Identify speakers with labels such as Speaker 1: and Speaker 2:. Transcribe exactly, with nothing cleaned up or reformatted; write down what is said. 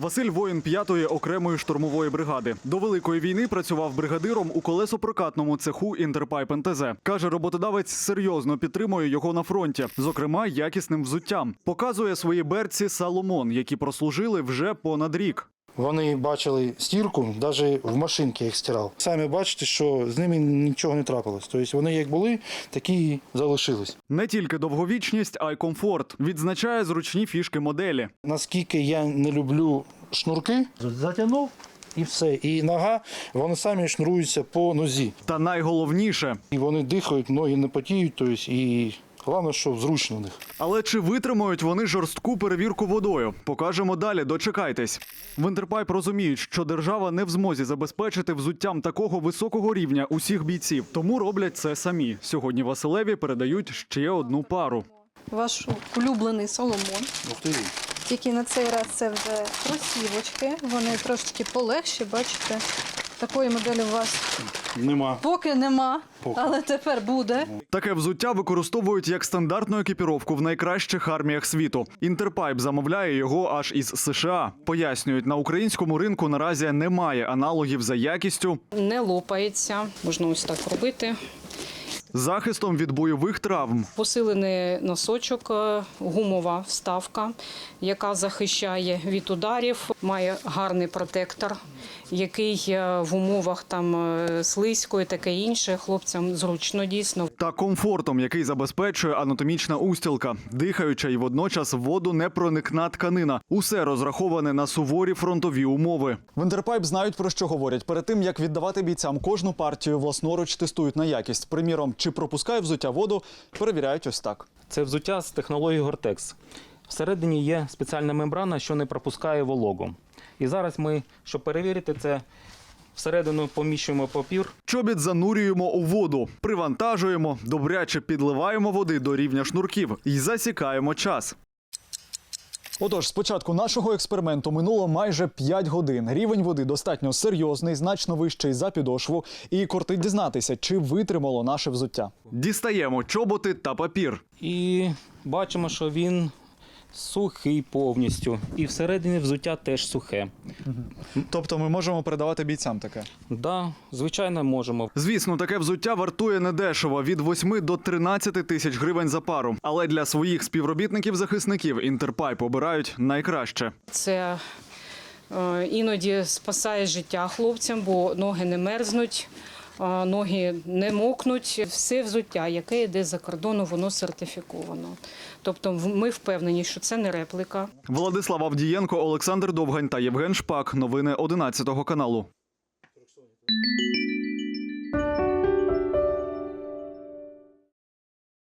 Speaker 1: Василь – воїн п'ятої окремої штурмової бригади. До Великої війни працював бригадиром у колесопрокатному цеху «Інтерпайп ен те зе». Каже, роботодавець серйозно підтримує його на фронті, зокрема, якісним взуттям. Показує свої берці «Соломон», які прослужили вже понад рік.
Speaker 2: Вони бачили стірку, навіть в машинці їх стирав. Самі бачите, що з ними нічого не трапилось. Тобто вони як були, такі і залишились.
Speaker 1: Не тільки довговічність, а й комфорт. Відзначає зручні фішки моделі.
Speaker 2: Наскільки я не люблю шнурки, затягнув і все. І нога, вони самі шнуруються по нозі.
Speaker 1: Та найголовніше.
Speaker 2: І вони дихають, ноги не потіють, тобто і головне, що зручно в них.
Speaker 1: Але чи витримають вони жорстку перевірку водою? Покажемо далі, дочекайтесь. В «Інтерпайп» розуміють, що держава не в змозі забезпечити взуттям такого високого рівня усіх бійців. Тому роблять це самі. Сьогодні Василеві передають ще одну пару.
Speaker 3: Ваш улюблений «Соломон».
Speaker 2: Ух ти.
Speaker 3: Тільки на цей раз це вже кросівочки. Вони трошечки полегші, бачите. Такої моделі у вас
Speaker 2: Нема.
Speaker 3: поки нема,
Speaker 2: Поки.
Speaker 3: але тепер буде.
Speaker 1: Таке взуття використовують як стандартну екіпіровку в найкращих арміях світу. «Інтерпайп» замовляє його аж із США. Пояснюють, на українському ринку наразі немає аналогів за якістю,
Speaker 4: Не лопається, можна ось так робити.
Speaker 1: захистом від бойових травм.
Speaker 4: Посилений носочок, е, гумова вставка, яка захищає від ударів, має гарний протектор, який е, в умовах там е, слизько і таке інше хлопцям зручно дійсно.
Speaker 1: Та комфортом, який забезпечує анатомічна устілка, дихаюча і водночас водонепроникна тканина. Усе розраховане на суворі фронтові умови. В «Інтерпайп» знають, про що говорять. Перед тим, як віддавати бійцям кожну партію, власноруч тестують на якість. Приміром, чи пропускає взуття воду, перевіряють ось так.
Speaker 5: Це взуття з технологією Гортекс. Всередині є спеціальна мембрана, що не пропускає вологу. І зараз ми, щоб перевірити це, всередину поміщуємо папір.
Speaker 1: Чобіт занурюємо у воду, привантажуємо, добряче підливаємо води до рівня шнурків і засікаємо час. Отож, з початку нашого експерименту минуло майже п'ять годин. Рівень води достатньо серйозний, значно вищий за підошву. І кортить дізнатися, чи витримало наше взуття. Дістаємо чоботи та папір.
Speaker 5: І бачимо, що він сухий повністю. І всередині взуття теж сухе.
Speaker 1: Тобто ми можемо передавати бійцям таке?
Speaker 5: Так, да, звичайно, можемо.
Speaker 1: Звісно, таке взуття вартує недешево – від восьми до тринадцяти тисяч гривень за пару. Але для своїх співробітників-захисників «Інтерпайп» обирають найкраще.
Speaker 4: Це е, іноді спасає життя хлопцям, бо ноги не мерзнуть, е, ноги не мокнуть. Все взуття, яке йде за кордону, воно сертифіковано. Тобто ми впевнені, що це не репліка.
Speaker 1: Владислав Авдієнко, Олександр Довгань та Євген Шпак. Новини одинадцятого каналу.